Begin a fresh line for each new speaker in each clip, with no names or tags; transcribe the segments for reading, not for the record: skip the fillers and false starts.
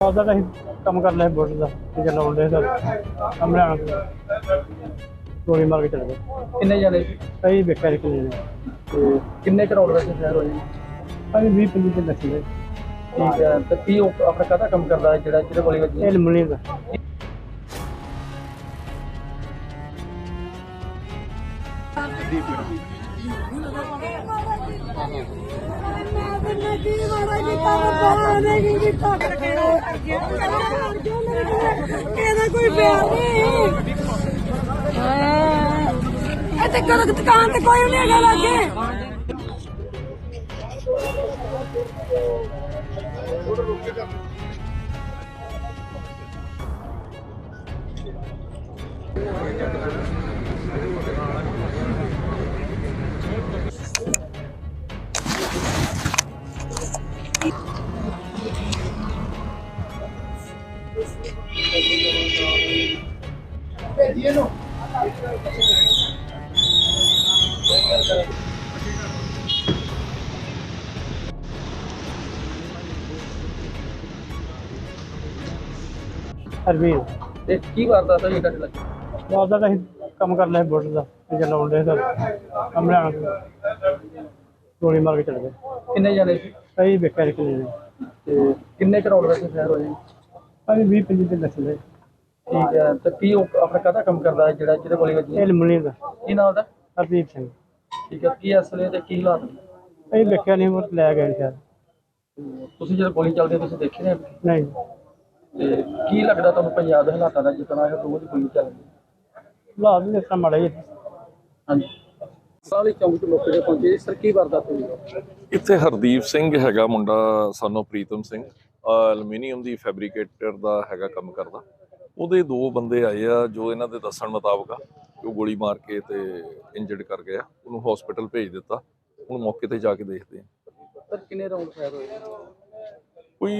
ਉਹਦਾ ਤਾਂ ਅਸੀਂ ਕੰਮ ਕਰ ਲਿਆ ਬੁੱਟ ਦਾ ਤੇ ਚਲਾਉਣ ਦੇ ਸਰ ਸਾਹਮਣੇ ਆਣ ਕੇ ਗੋਲੀ ਮਾਰ ਕੇ ਚਲੇ ਗਏ।
ਕਿੰਨੇ ਜਾਣੇ ਸੀ
ਕਈ ਵੇਖਿਆ ਕਿੰਨੇ ਨੇ
ਤੇ ਕਿੰਨੇ ਕਰੋੜ ਵੈਸੇ ਸ਼ਹਿਰ ਹੋਏ?
ਅਸੀਂ 20-25 ਦੇ ਲੱਗੇ
ਠੀਕ ਹੈ। ਤੇ ਕੀ ਉਹ ਆਪਣਾ ਕਾਹਦਾ ਕੰਮ ਕਰਦਾ ਹੈ ਜਿਹੜਾ ਜਿਹਦੇ ਗੋਲੀ ਵੱਜੀ?
ਇਹ ਲਮਣੀ ਦਾ
ਇਹਦਾ ਕੋਈ ਪਿਆਰ ਨਹੀਂ। ਇੱਥੇ ਦੁਕਾਨ ਤੇ ਕੋਈ ਨਹੀਂ ਹੈਗਾ ਲਾਗੇ।
ਹਰਵੀਰ
ਤੇ ਕੀ ਕਰਦਾ ਸੀ ਇਹ ਲੱਗੇ?
ਉਹਦਾ ਤਾਂ ਅਸੀਂ ਕੰਮ ਕਰ ਲਿਆ ਬੁੱਟ ਦਾ ਤੇ ਚਲਾਉਣ ਦੇ ਸਰ ਸਾਹਮਣੇ ਆਣ ਕੇ ਗੋਲੀ ਮਾਰ ਕੇ ਚਲੇ ਗਏ।
ਕਿੰਨੇ ਜਾਣੇ ਸੀ
ਕਈ ਵੇਖਿਆ ਕਿੰਨੇ ਨੇ
ਤੇ ਕਿੰਨੇ ਕਰੋੜ ਵੈਸੇ ਸ਼ਹਿਰ ਹੋਏ?
ਅਸੀਂ 20-25 ਦੇ ਲੱਗੇ।
ਠੀਕ ਹੈ। ਤੇ ਕੀ ਉਹ ਆਪਣਾ ਕਾਹਦਾ ਕੰਮ ਕਰਦਾ ਹੈ ਜਿਹੜਾ ਜਿਹਦੇ ਗੋਲੀ ਵੱਜੀ?
ਇਹ ਲਮਣੀ ਦਾ
ਕੀ ਨਾਮ ਉਹਦਾ?
ਹਰਦੀਪ ਸਿੰਘ।
ਠੀਕ ਹੈ। ਕੀ ਅਸਲੇ ਤੇ ਕੀ ਹਾਲਾਤ ਨੇ?
ਅਸੀਂ ਵੇਖਿਆ ਨਹੀਂ ਉਹ ਲੈ ਗਏ ਸ਼ਾਇਦ।
ਤੁਸੀਂ ਜਦੋਂ ਗੋਲੀ ਚੱਲਦੀ ਤੁਸੀਂ ਦੇਖੇ ਨੇ?
ਨਹੀਂ
ਤੇ ਕੀ ਲੱਗਦਾ ਤੁਹਾਨੂੰ ਪੰਜਾਬ ਦੇ ਹਾਲਾਤਾਂ ਦਾ ਜਿੱਦਾਂ ਇਹ ਰੋਜ਼ ਗੋਲੀ ਚੱਲਦੀ?
ਹਾਲਾਤ ਵੀ ਇਸ ਤਰ੍ਹਾਂ ਮਾੜੇ ਹੀ ਆ।
ਹਾਂਜੀ। ਸਾਲੀ ਚੌਂਕ ਤੋਂ ਮੌਕੇ ਤੇ ਪਹੁੰਚੇ ਸਰ, ਕੀ ਵਾਰਦਾਤ ਹੋਈ?
ਇੱਥੇ ਹਰਦੀਪ ਸਿੰਘ ਹੈਗਾ ਮੁੰਡਾ, ਸਾਨੂੰ ਪ੍ਰੀਤਮ ਸਿੰਘ, ਐਲੂਮੀਨੀਅਮ ਦੀ ਫੈਬਰੀਕੇਟਰ ਦਾ ਹੈਗਾ ਕੰਮ ਕਰਦਾ। ਉਹਦੇ ਦੋ ਬੰਦੇ ਆਏ ਆ ਜੋ ਇਹਨਾਂ ਦੇ ਦੱਸਣ ਮੁਤਾਬਕ ਆ ਉਹ ਗੋਲੀ ਮਾਰ ਕੇ ਤੇ ਇੰਜਰਡ ਕਰ ਗਿਆ। ਉਹਨੂੰ ਹਸਪੀਟਲ ਭੇਜ ਦਿੱਤਾ। ਹੁਣ ਮੌਕੇ ਤੇ ਜਾ ਕੇ ਦੇਖਦੇ ਆ।
ਸਰ ਕਿੰਨੇ ਰਾਉਂਡ ਫਾਇਰ ਹੋਏ?
ਕੋਈ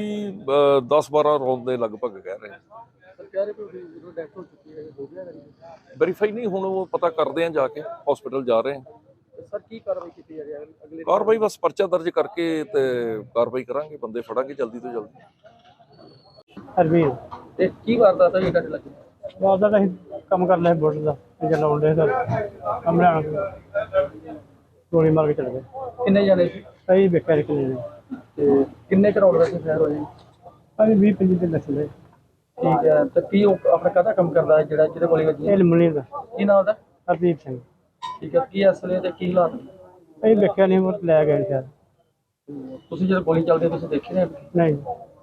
10-12 ਰੌਂਦ ਦੇ ਲਗਭਗ ਕਹਿ ਰਹੇ ਆ।
ਸਰ ਕਹਿ ਰਹੇ ਕਿ ਜਦੋਂ ਡੈਥ ਹੋ ਚੁੱਕੀ ਹੈ ਹੋ ਗਿਆ ਕਰੀ?
ਵੈਰੀਫਾਈ ਨਹੀਂ, ਹੁਣ ਉਹ ਪਤਾ ਕਰਦੇ ਆ, ਜਾ ਕੇ ਹਸਪੀਟਲ ਜਾ ਰਹੇ ਆ।
ਸਰ ਕੀ ਕਾਰਵਾਈ ਕੀਤੀ ਜਾ ਰਹੀ ਹੈ ਅਗਲੇ?
ਕਾਰਵਾਈ ਬਸ ਪਰਚਾ ਦਰਜ ਕਰਕੇ ਤੇ ਕਾਰਵਾਈ ਕਰਾਂਗੇ, ਬੰਦੇ ਫੜਾਂਗੇ ਜਲਦੀ ਤੋਂ ਜਲਦੀ।
ਹਰਵੀਰ
ਤੇ ਕੀ ਵਾਰਦਾਤ ਹੋਈ ਤੁਹਾਡੇ ਲੱਗੇ?
ਉਹਦਾ ਤਾਂ ਅਸੀਂ ਕੰਮ ਕਰ ਲਿਆ ਬੁੱਟ ਦਾ ਤੇ ਚਲਾਉਣ ਦੇ ਸਰ ਸਾਹਮਣੇ ਆਣ ਕੇ ਗੋਲੀ ਮਾਰ ਕੇ ਚਲੇ ਗਏ।
ਕਿੰਨੇ ਜਾਣੇ ਸੀ
ਕਈ ਵੇਖਿਆ ਕਿੰਨੇ ਨੇ
ਤੇ ਕਿੰਨੇ ਕਰੋੜ ਵੈਸੇ ਸ਼ਹਿਰ ਹੋਏ?
ਅਸੀਂ 20-25 ਦੇ ਲੱਗੇ।
ਠੀਕ ਹੈ। ਤੇ ਕੀ ਉਹ ਆਪਣਾ ਕਾਹਦਾ ਕੰਮ ਕਰਦਾ ਹੈ ਜਿਹੜਾ ਜਿਹਦੇ ਗੋਲੀ ਵੱਜੀ?
ਇਹ ਲਮਣੀ ਦਾ
ਕੀ ਨਾਮ ਉਹਦਾ?
ਹਰਦੀਪ ਸਿੰਘ।
ਠੀਕ ਹੈ। ਕੀ ਅਸਲੇ ਤੇ ਕੀ ਹਾਲਾਤ ਨੇ?
ਅਸੀਂ ਵੇਖਿਆ ਨਹੀਂ ਉਹ ਲੈ ਗਏ ਸ਼ਾਇਦ।
ਤੁਸੀਂ ਜਦੋਂ ਗੋਲੀ ਚੱਲਦੀ ਤੁਸੀਂ ਦੇਖੇ ਨੇ?
ਨਹੀਂ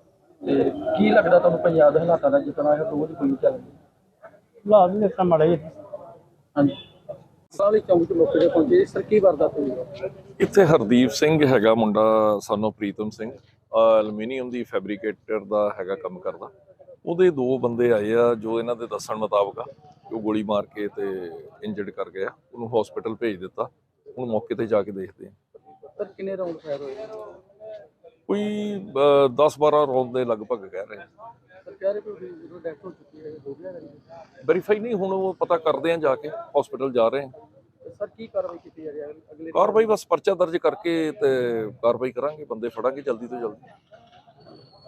ਤੇ ਕੀ ਲੱਗਦਾ ਤੁਹਾਨੂੰ ਪੰਜਾਬ ਦੇ ਹਾਲਾਤਾਂ ਦਾ ਜਿੱਦਾਂ ਇਹ ਰੋਜ਼ ਗੋਲੀ ਚੱਲਦੀ?
ਹਾਲਾਤ ਵੀ ਇਸ ਤਰ੍ਹਾਂ ਮਾੜੇ ਹੀ ਆ।
ਹਾਂਜੀ। ਸਾਲੀ ਚੌਂਕ ਤੋਂ ਮੌਕੇ ਤੇ ਪਹੁੰਚੇ ਸਰ, ਕੀ ਵਾਰਦਾਤ ਹੋਈ?
ਇੱਥੇ ਹਰਦੀਪ ਸਿੰਘ ਹੈਗਾ ਮੁੰਡਾ, ਸਾਨੂੰ ਪ੍ਰੀਤਮ ਸਿੰਘ, ਐਲੂਮੀਨੀਅਮ ਦੀ ਫੈਬਰੀਕੇਟਰ ਦਾ ਹੈਗਾ ਕੰਮ ਕਰਦਾ। ਉਹਦੇ ਦੋ ਬੰਦੇ ਆਏ ਆ ਜੋ ਇਹਨਾਂ ਦੇ ਦੱਸਣ ਮੁਤਾਬਕ ਆ ਉਹ ਗੋਲੀ ਮਾਰ ਕੇ ਤੇ ਇੰਜਰਡ ਕਰ ਗਿਆ। ਉਹਨੂੰ ਹਸਪੀਟਲ ਭੇਜ ਦਿੱਤਾ। ਹੁਣ ਮੌਕੇ ਤੇ ਜਾ ਕੇ ਦੇਖਦੇ ਆ।
ਸਰ ਕਿੰਨੇ ਰਾਉਂਡ ਫਾਇਰ ਹੋਏ?
ਕੋਈ 10-12 ਰੌਂਦ ਦੇ ਲਗਭਗ ਕਹਿ ਰਹੇ ਆ।
ਸਰ ਕਹਿ ਰਹੇ ਕਿ ਜਦੋਂ ਡੈਥ ਹੋ ਚੁੱਕੀ ਹੈ ਹੋ ਗਿਆ ਕਰੀ?
ਵੈਰੀਫਾਈ ਨਹੀਂ, ਹੁਣ ਉਹ ਪਤਾ ਕਰਦੇ ਆ, ਜਾ ਕੇ ਹਸਪੀਟਲ ਜਾ ਰਹੇ ਆ।
ਸਰ ਕੀ ਕਾਰਵਾਈ ਕੀਤੀ ਜਾ ਰਹੀ ਹੈ ਅਗਲੇ?
ਕਾਰਵਾਈ ਬਸ ਪਰਚਾ ਦਰਜ ਕਰਕੇ ਤੇ ਕਾਰਵਾਈ ਕਰਾਂਗੇ, ਬੰਦੇ ਫੜਾਂਗੇ ਜਲਦੀ ਤੋਂ ਜਲਦੀ।